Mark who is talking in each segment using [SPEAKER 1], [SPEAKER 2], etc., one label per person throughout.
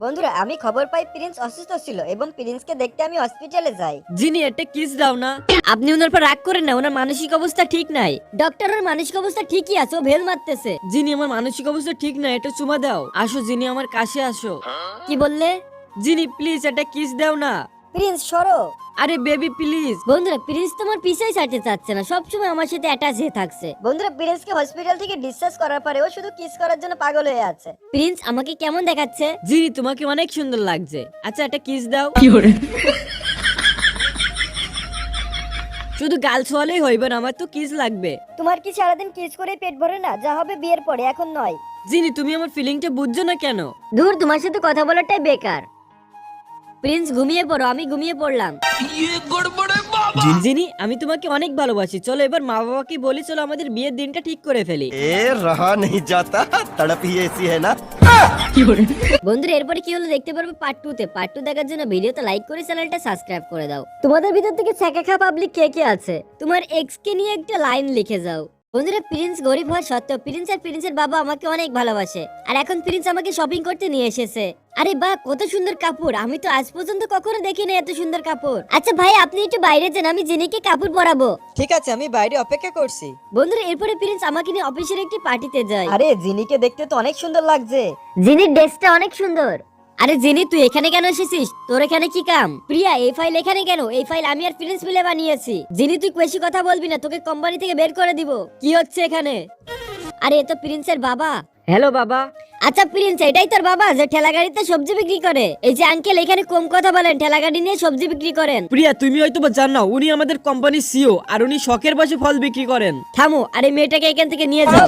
[SPEAKER 1] বন্ধুরা আমি খবর পাই প্রিন্স অসুস্থ ছিল এবং প্রিন্সকে দেখতে আমি হসপিটালে যাই।
[SPEAKER 2] জিনি একটা কিস দাও না। আপনি ওনার পর রাগ করেন না, ওনার মানসিক অবস্থা ঠিক নাই।
[SPEAKER 1] ডক্টরের মানসিক অবস্থা ঠিকই আছে, ও ভেল মারতেছে।
[SPEAKER 2] জিনি আমার মানসিক অবস্থা ঠিক নাই, এটা চুমা দাও। আসো জিনি আমার কাছে আসো।
[SPEAKER 1] কি বললে?
[SPEAKER 2] জিনি প্লিজ একটা কিস দাও না।
[SPEAKER 1] প্রিন্স সরো।
[SPEAKER 2] আরে বেবি প্লিজ।
[SPEAKER 1] বন্ধুরা প্রিন্স তোমার পিছাই ছাড়তে চাচ্ছে না, সবসময় আমার সাথে অ্যাটাচ হয়ে থাকছে। বন্ধুরা প্রিন্সকে হসপিটাল থেকে ডিসচার্জ করার পরে ও শুধু কিস করার জন্য পাগল হয়ে আছে। প্রিন্স আমাকে কেমন দেখাচ্ছে?
[SPEAKER 2] জিনি তোমাকে অনেক সুন্দর লাগছে। আচ্ছা একটা কিস দাও। শুধু গাল ছোয়ালেই হইবে না, আমার তো কিস লাগবে।
[SPEAKER 1] তোমার কি সারাদিন কিস করে পেট ভরে না? যা হবে বিয়ের পরে, এখন নয়।
[SPEAKER 2] জিনি তুমি আমার ফিলিংটা বুঝছো না কেন?
[SPEAKER 1] দূর, তোমার সাথে কথা বলাটাই বেকার। প্রিন্স ঘুমিয়ে পড়ো, আমি ঘুমিয়ে পড়লাম।
[SPEAKER 2] জিনি আমি তোমাকে অনেক ভালোবাসি, চলো এবার মা বাবাকে বলি, চলো আমাদের বিয়ের দিনটা ঠিক করে ফেলি।
[SPEAKER 3] ए रहा नहीं जाता तड़प ही ऐसी है ना।
[SPEAKER 1] বন্ধুরা এরপরে কি হলো দেখতে পারবে পার্ট 2 তে। পার্ট 2 দেখার জন্য ভিডিওতে লাইক করে চ্যানেলটা সাবস্ক্রাইব করে দাও। তোমাদের ভিতর থেকে ছ্যাঁকা পাবলিক কে কে আছে? তোমার এক্স কে নিয়ে একটা লাইন লিখে যাও। বন্ধুরা প্রিন্স গরিব হওয়া সত্ত্বেও প্রিন্স আর প্রিন্সের বাবা আমাকে অনেক ভালোবাসে, আর এখন প্রিন্স আমাকে শপিং করতে নিয়ে এসেছে। আরে বাহ, কত সুন্দর কাপড়! আমি তো আজ পর্যন্ত কখনো দেখিনি এত সুন্দর কাপড়। আচ্ছা ভাই আপনি একটু বাইরে যান, আমি জিনিকে কাপড় পরাবো।
[SPEAKER 4] ঠিক আছে, আমি বাইরে অপেক্ষা করছি।
[SPEAKER 1] বন্ধুরা এরপরে প্রিন্স আমাকে নিয়ে অফিসের একটি পার্টিতে যায়।
[SPEAKER 4] আরে জিনিকে দেখতে তো অনেক সুন্দর লাগছে।
[SPEAKER 1] জিনির ড্রেসটা অনেক সুন্দর। আরে জিনি তুই এখানে কেন এসেছিস? তোর এখানে কি কাম? প্রিয়া এই ফাইল এখানে কেন? এই ফাইল আমি আর প্রিন্স মিলে বানিয়েছি। জিনি তুই বেশি কথা বলবি না, তোকে কোম্পানি থেকে বের করে দিব।
[SPEAKER 2] কি হচ্ছে এখানে?
[SPEAKER 1] আরে এ তো প্রিন্সের বাবা।
[SPEAKER 2] হ্যালো বাবা।
[SPEAKER 1] আচ্ছা প্রিন্স এটাই তোর বাবা যে ঠেলা গাড়িতে সবজি বিক্রি করে? এই যে আঙ্কেল এখানে কম কথা বলেন, ঠেলা গাড়ি নিয়ে সবজি বিক্রি করেন।
[SPEAKER 2] প্রিয়া তুমি হয়তো বা জানো না, উনি আমাদের কোম্পানির সিও, আর উনি শখের বসে ফল বিক্রি করেন।
[SPEAKER 1] থামো, আরে মেয়েটাকে এখান থেকে নিয়ে যাও।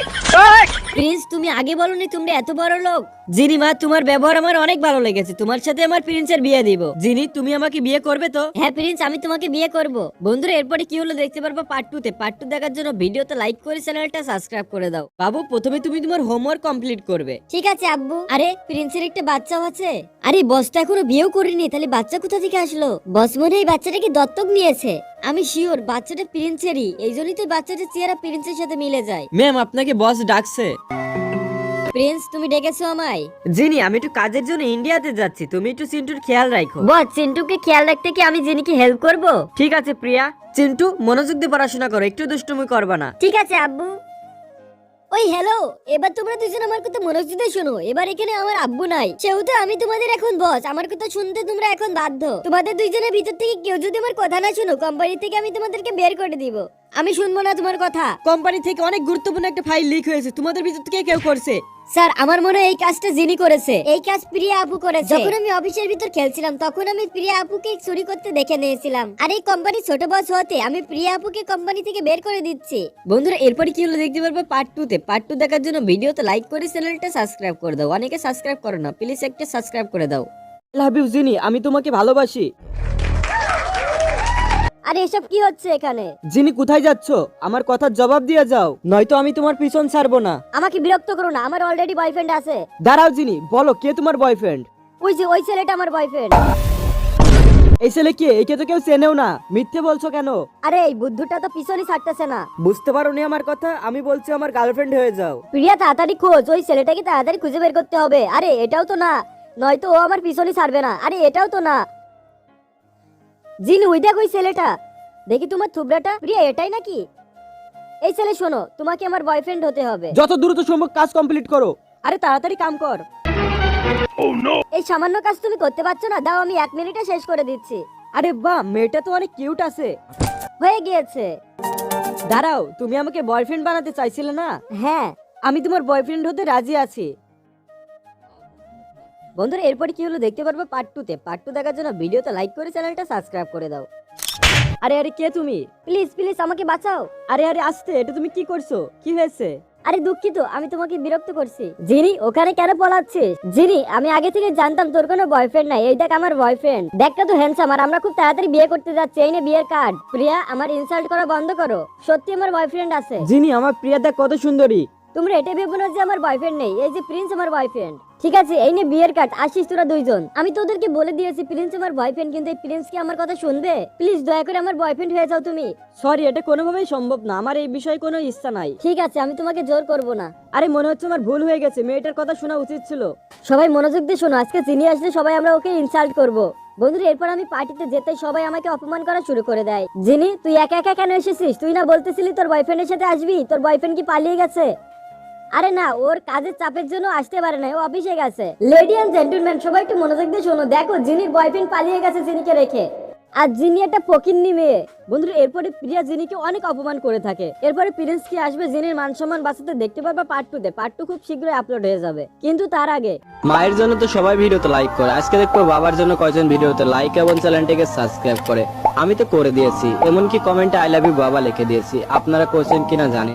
[SPEAKER 1] প্রিন্স তুমি আগে বলনি তোমরা এত বড় লোক?
[SPEAKER 2] জিনি মা তোমার ব্যবহার আমার অনেক ভালো লেগেছে, তোমার সাথে আমার প্রিন্সের বিয়ে দিব। জিনি তুমি আমাকে বিয়ে করবে তো?
[SPEAKER 1] হ্যাঁ প্রিন্স আমি তোমাকে বিয়ে করব। বন্ধুরা এরপরে কি হলো দেখতে পারবো পার্ট 2 তে। পার্ট 2 দেখার জন্য ভিডিওতে লাইক করে চ্যানেলটা সাবস্ক্রাইব করে দাও।
[SPEAKER 2] বাবু প্রথমে তুমি তোমার হোমওয়ার্ক কমপ্লিট করবে।
[SPEAKER 1] ঠিক আছে আব্বু। আরে প্রিন্সের একটা বাচ্চাও আছে। আরে বস তো এখনো বিয়েও করেনি, তাহলে বাচ্চা কোথা থেকে আসলো? বস মনে হয় বাচ্চাটাকে দত্তক নিয়েছে। আমি শিওর বাচ্চাটা প্রিন্সেরই, এই জন্যই তো বাচ্চাটার চেহারা প্রিন্সের সাথে মিলে যায়।
[SPEAKER 2] ম্যাম আপনাকে বস ডাকছে।
[SPEAKER 1] প্রিন্স তুমি ডেকেছো আমায়?
[SPEAKER 2] জিনি আমি একটু কাজের জন্য ইন্ডিয়াতে যাচ্ছি, তুমি একটু চিন্টুর খেয়াল রাখো।
[SPEAKER 1] বস চিন্টুকে খেয়াল রাখতে কি আমি জিনিকে হেল্প করব?
[SPEAKER 2] ঠিক আছে প্রিয়া। চিন্টু মনোযোগ দিয়ে পড়াশোনা করো, একটু দুষ্টুমি করবা না।
[SPEAKER 1] ঠিক আছে আব্বু। ওই হ্যালো, এবার তোমরা দুজন আমার কথা মনোযোগ দিয়ে শোনো। এবার এখানে আমার আব্বু নাই, সেহেতু আমি তোমাদের এখন বস। আমার কথা শুনতে তোমরা এখন বাধ্য। তোমাদের দুইজনের ভিতর থেকে কেউ যদি আমার কথা না শোনো, কোম্পানি থেকে আমি তোমাদেরকে বের করে দিব। আমি শুনবো না তোমার কথা।
[SPEAKER 2] কোম্পানি থেকে অনেক গুরুত্বপূর্ণ একটা ফাইল লিক হয়েছে, তোমাদের ভিতর থেকে কেউ করছে।
[SPEAKER 1] স্যার আমার মনে হয় এই কাজটা জিনি করেছে। এই কাজ প্রিয়া আপু করেছে। যখন আমি অফিসের ভিতর খেলছিলাম তখন আমি প্রিয়া আপুকে চুরি করতে দেখে নিয়েছিলাম, আর এই কোম্পানি ছোট বস হতে আমি প্রিয়া আপুকে কোম্পানি থেকে বের করে দিচ্ছি।
[SPEAKER 2] বন্ধুরা এরপরে কি হলো দেখতে পারবে পার্ট 2 তে। পার্ট 2 দেখার জন্য ভিডিওতে লাইক করে চ্যানেলটা সাবস্ক্রাইব করে দাও। অনেকে সাবস্ক্রাইব করো না, প্লিজ একটা সাবস্ক্রাইব করে দাও। লাভ ইউ জিনি, আমি তোমাকে ভালোবাসি।
[SPEAKER 1] আরে এসব কি হচ্ছে এখানে?
[SPEAKER 2] জিনি কোথায় যাচ্ছ? আমার কথার জবাব দিয়ে যাও, নয়তো আমি তোমার পিছন ছাড়বো না।
[SPEAKER 1] আমাকে বিরক্ত করো না, আমার অলরেডি বয়ফ্রেন্ড আছে।
[SPEAKER 2] দাঁড়াও জিনি, বলো কে তোমার বয়ফ্রেন্ড?
[SPEAKER 1] ওই যে ওই ছেলেটা আমার বয়ফ্রেন্ড।
[SPEAKER 2] এই ছেলে কে? একে তো কেউ চেনেও না, মিথ্যে বলছো কেন?
[SPEAKER 1] আরে এই বুদ্ধুটা তো পিছনই ছাড়তেছে না।
[SPEAKER 2] বুঝতে পারোনি আমার কথা? আমি বলছি আমার গার্লফ্রেন্ড হয়ে যাও।
[SPEAKER 1] প্রিয়া তাড়াতাড়ি খোঁজ, ওই ছেলেটাকে তাড়াতাড়ি খুঁজে বের করতে হবে। আরে এটাও তো না, নয়তো ও আমার পিছনই ছাড়বে না। আরে এটাও তো না। জিন ওই দেখ ওই ছেলেটা, দেখি তোমার থুবড়াটা। প্রিয়া এটাই নাকি? এই ছেলে শোনো, তোমাকে আমার বয়ফ্রেন্ড হতে হবে।
[SPEAKER 2] যত দ্রুত সম্ভব কাজ কমপ্লিট করো। আরে তাড়াতাড়ি কাম কর।
[SPEAKER 1] এই সামান্য কাজ তুমি করতে পারছো না? দাও আমি 1 মিনিটে শেষ করে দিচ্ছি।
[SPEAKER 2] আরে বাহ, মেয়েটা তো অনেক কিউট আছে।
[SPEAKER 1] হয়ে গিয়েছে।
[SPEAKER 2] দাঁড়াও, তুমি আমাকে বয়ফ্রেন্ড বানাতে চাইছিলে না?
[SPEAKER 1] হ্যাঁ
[SPEAKER 2] আমি তোমার বয়ফ্রেন্ড হতে রাজি আছি।
[SPEAKER 1] বন্ধুরা এরপরে কি হলো দেখতে পারবে পার্ট 2 তে। পার্ট 2 দেখার জন্য ভিডিওতে লাইক করে চ্যানেলটা সাবস্ক্রাইব করে দাও।
[SPEAKER 2] আরে আরে কে তুমি?
[SPEAKER 1] প্লিজ প্লিজ আমাকে বাঁচাও।
[SPEAKER 2] আরে আরে আসতে, এটা তুমি কি করছো? কি হয়েছে?
[SPEAKER 1] আরে দুঃখিত, আমি তোমাকে বিরক্ত করছি। জিনি ওখানে কেন পলাচ্ছিস? জিনি আমি আগে থেকে জানতাম তোর কোনো বয়ফ্রেন্ড নাই। এই দেখ আমার বয়ফ্রেন্ড, দেখটা তো হ্যান্ডসাম, আর আমরা খুব তাড়াতাড়ি বিয়ে করতে যাচ্ছি। এই নে বিয়ের কার্ড। প্রিয়া আমার ইনসাল্ট করা বন্ধ করো, সত্যি আমার বয়ফ্রেন্ড আছে।
[SPEAKER 2] জিনি আমার প্রিয়া দেখ কত সুন্দরী।
[SPEAKER 1] তোমরা এটা ভেবো না যে আমার বয়ফ্রেন্ড নেই, এই যে প্রিন্স আমার বয়ফ্রেন্ড। ঠিক আছে, এই নে বিয়ের কার্ড, আসিস তোরা দুইজন। আমি তোদেরকে বলে দিয়েছি প্রিন্স আমার বয়ফ্রেন্ড, কিন্তু এই প্রিন্স কি আমার কথা শুনবে? প্লিজ দয়া করে আমার বয়ফ্রেন্ড হয়ে যাও তুমি।
[SPEAKER 2] সরি, এটা কোনোভাবেই সম্ভব না, আমার এই বিষয়ে কোনো ইচ্ছা নাই।
[SPEAKER 1] ঠিক আছে, আমি তোমাকে জোর করব না।
[SPEAKER 2] আরে মনে হচ্ছে আমার ভুল হয়ে গেছে, মেয়েটার কথা শোনা উচিত ছিল।
[SPEAKER 1] সবাই মনোযোগ দিয়ে শোনো, আজকে চিনি আসলে সবাই আমরা ওকে ইনসাল্ট করব। বন্ধুরা, এরপর আমি পার্টিতে যেতে সবাই আমাকে অপমান করা শুরু করে দেয়। জিনি, তুই একা একা কেন এসেছিস? তুই না বলতেছিলি তোর বয়ফ্রেন্ডের সাথে আসবি? তোর বয়ফ্রেন্ড কি পালিয়ে গেছে? আরে না, ওর কাজের চাপের জন্য আসতে পারে না, ও অফিসে গেছে। লেডি এন্ড জেন্টলম্যান, সবাই একটু মনোযোগ দিয়ে শোনো। দেখো, জিনির বয়ফ্রেন্ড পালিয়ে গেছে জিনিকে রেখে। আর জিনি একটা ফকিন্নি মেয়ে।
[SPEAKER 2] বন্ধুরা, এরপরে প্রিয়া জিনিকে অনেক অপমান করে থাকে। এরপরে প্রিন্স কি আসবে জিনির মান সম্মান বাঁচাতে, দেখতে পারবা পার্ট 2 তে। পার্ট 2 খুব শীঘ্রই আপলোড হয়ে যাবে, কিন্তু তার আগে
[SPEAKER 5] মায়ের জন্য তো সবাই ভিডিওতে লাইক করে, আজকে দেখবো বাবার জন্য কয়জন ভিডিওতে লাইক এবং চ্যানেলটিকে সাবস্ক্রাইব করে। আমি তো করে দিয়েছি, এমনকি কমেন্টে আই লাভ ইউ বাবা লিখে দিয়েছি। আপনারা করছেন কিনা জানি।